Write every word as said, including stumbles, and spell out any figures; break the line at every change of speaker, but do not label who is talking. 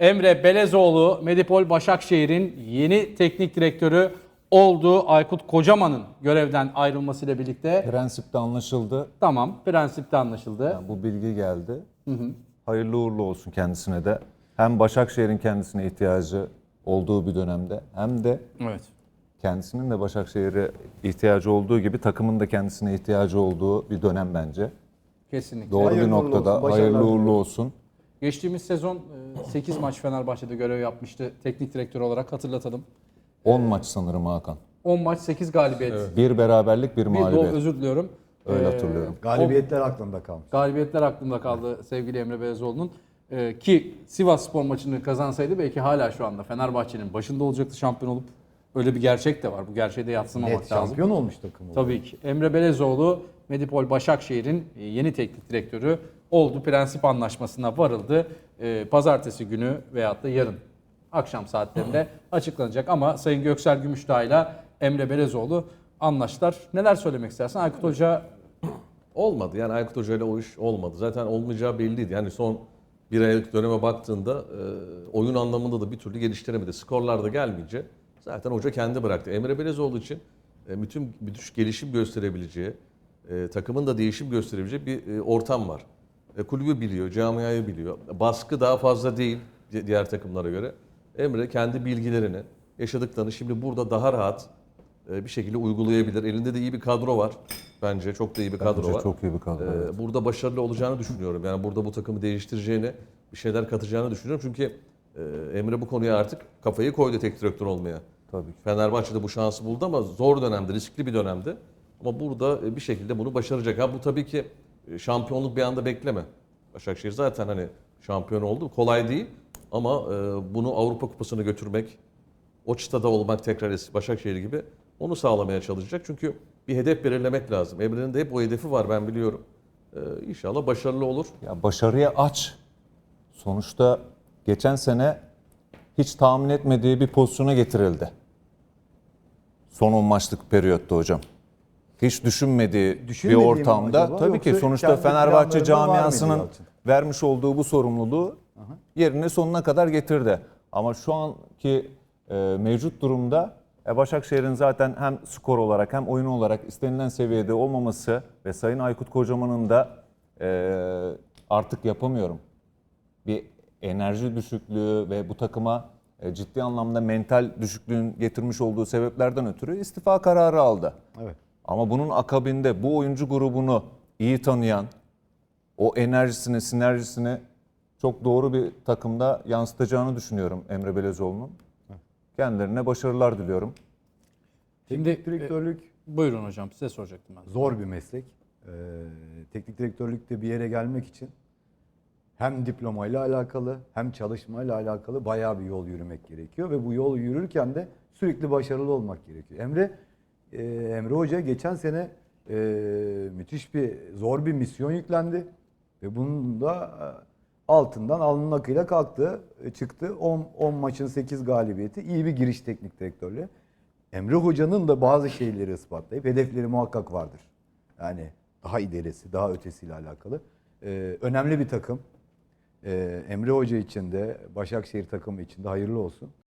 Emre Belezoğlu, Medipol Başakşehir'in yeni teknik direktörü oldu. Aykut Kocaman'ın görevden ayrılmasıyla birlikte.
Prensipte anlaşıldı.
Tamam, prensipte anlaşıldı.
Yani bu bilgi geldi. Hı hı. Hayırlı uğurlu olsun kendisine de. Hem Başakşehir'in kendisine ihtiyacı olduğu bir dönemde hem de
Evet.
kendisinin de Başakşehir'e ihtiyacı olduğu gibi takımın da kendisine ihtiyacı olduğu bir dönem bence.
Kesinlikle.
Doğru
Hayırlı
bir
uğurlu
noktada
olsun,
hayırlı
başarılar
uğurlu
diliyorum.
olsun.
Geçtiğimiz sezon sekiz maç Fenerbahçe'de görev yapmıştı. Teknik direktör olarak hatırlatalım.
on maç sanırım Hakan.
on maç sekiz galibiyet.
Bir beraberlik, bir
Bir
mağlubiyet.
do özür diliyorum.
Öyle
Ee,
hatırlıyorum.
Galibiyetler aklımda kalmış.
Galibiyetler aklımda kaldı sevgili Emre Belezoğlu'nun. Ee, ki Sivasspor maçını kazansaydı belki hala şu anda Fenerbahçe'nin başında olacaktı şampiyon olup. Öyle bir gerçek de var. Bu gerçeği de yadsımamak
Net
lazım.
şampiyon olmuş takım. oldu.
Tabii ki. Emre Belezoğlu, Medipol Başakşehir'in yeni teknik direktörü oldu. Prensip anlaşmasına varıldı. Ee, Pazartesi günü veyahut da yarın akşam saatlerinde açıklanacak. Ama Sayın Göksel Gümüşdağ ile Emre Belezoğlu anlaştılar. Neler söylemek istersin? Aykut Hoca
Olmadı. Yani Aykut Hoca ile o iş olmadı. Zaten olmayacağı belliydi. Yani son bir aylık döneme baktığında e, oyun anlamında da bir türlü geliştiremedi. Skorlar da gelmeyince zaten hoca kendi bıraktı. Emre Belezoğlu için e, bütün bütün gelişim gösterebileceği, e, takımın da değişim gösterebileceği bir e, ortam var. E, kulübü biliyor, camiayı biliyor. Baskı daha fazla değil di- diğer takımlara göre. Emre kendi bilgilerini, yaşadıklarını şimdi burada daha rahat e, bir şekilde uygulayabilir. Elinde de iyi bir kadro var. Bence çok da iyi bir kadro
Bence
var.
çok iyi bir kadro,
Ee,
evet.
Burada başarılı olacağını düşünüyorum. Yani burada bu takımı değiştireceğini, bir şeyler katacağını düşünüyorum. Çünkü e, Emre bu konuya artık kafayı koydu tek direktör olmaya.
Tabii ki.
Fenerbahçe'de bu şansı buldu ama zor dönemde, riskli bir dönemde. Ama burada e, bir şekilde bunu başaracak. Ha bu tabii ki e, şampiyonluk bir anda bekleme. Başakşehir zaten hani şampiyon oldu. Kolay değil ama e, bunu Avrupa Kupası'na götürmek, o çıtada olmak tekrar eski Başakşehir gibi onu sağlamaya çalışacak. Çünkü bir hedef belirlemek lazım. Emre'nin de hep o hedefi var ben biliyorum. Ee, İnşallah başarılı olur.
Ya başarıya aç. Sonuçta geçen sene hiç tahmin etmediği bir pozisyona getirildi. Son on maçlık periyotta hocam. Hiç düşünmediği bir
Düşünmediği mi
ortamda
acaba?
tabii ki
Yoksa
sonuçta
kendi
Fenerbahçe
planlarında var mıydı
camiasının
Yalçın?
vermiş olduğu bu sorumluluğu yerine sonuna kadar getirdi. Ama şu anki e, mevcut durumda e, Başakşehir'in zaten hem skor olarak hem oyun olarak istenilen seviyede olmaması ve Sayın Aykut Kocaman'ın da e, artık yapamıyorum bir enerji düşüklüğü ve bu takıma e, ciddi anlamda mental düşüklüğün getirmiş olduğu sebeplerden ötürü istifa kararı aldı.
Evet.
Ama bunun akabinde bu oyuncu grubunu iyi tanıyan, o enerjisini, sinerjisini çok doğru bir takımda yansıtacağını düşünüyorum Emre Belezoğlu'nun. Kendilerine başarılar diliyorum.
Şimdi
Teknik direktörlük
e, buyurun hocam size soracaktım ben.
zor bir meslek. Ee, teknik direktörlükte bir yere gelmek için hem diplomayla alakalı hem çalışmayla alakalı bayağı bir yol yürümek gerekiyor ve bu yol yürürken de sürekli başarılı olmak gerekiyor. Emre e, Emre Hoca geçen sene e, müthiş bir zor bir misyon yüklendi ve bunun da e, altından alnının akıyla kalktı, e, çıktı. on maçın sekiz galibiyeti, iyi bir giriş teknik direktörlüğü. Emre Hoca'nın da bazı şeyleri ispatlayıp hedefleri muhakkak vardır. Yani daha ilerisi, daha ötesiyle alakalı. Ee, önemli bir takım. Ee, Emre Hoca için de Başakşehir takımı için de hayırlı olsun.